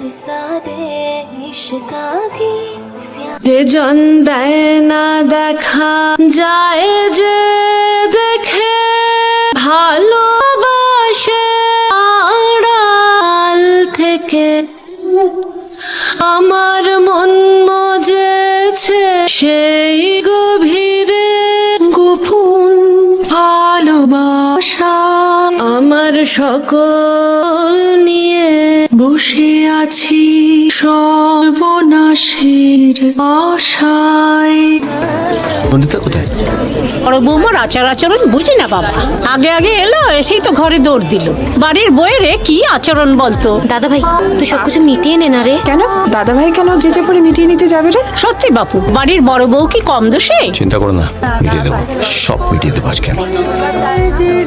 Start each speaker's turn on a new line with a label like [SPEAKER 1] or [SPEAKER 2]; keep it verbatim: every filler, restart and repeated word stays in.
[SPEAKER 1] যে জন দেয় না দেখা যায় যে দেখে ভালোবাসে আড়াল থেকে আমার মন মজেছে সেই গভীরে গোপন ভালোবাসা আমার সকল নিয়ে বসে আছি সর্বনাশের আশায়।
[SPEAKER 2] নন্দিতা কোথায়?
[SPEAKER 3] বড় বৌমার আচার আচরণ বুঝি না বাবা, আগে আগে এলো এসেই তো ঘরে দৌড় দিল। বাড়ির বইয়েরে কি আচরণ বলতো।
[SPEAKER 4] দাদা ভাই তুই সবকিছু মিটিয়ে নে না রে।
[SPEAKER 5] কেন দাদা ভাই কেন যে যে পরে মিটিয়ে নিতে যাবে রে?
[SPEAKER 3] সত্যি বাপু, বাড়ির বড় বউ কি কম দোষে?
[SPEAKER 2] চিন্তা করো না, মিটিয়ে দেবো, সব মিটিয়ে দেবো আজকে।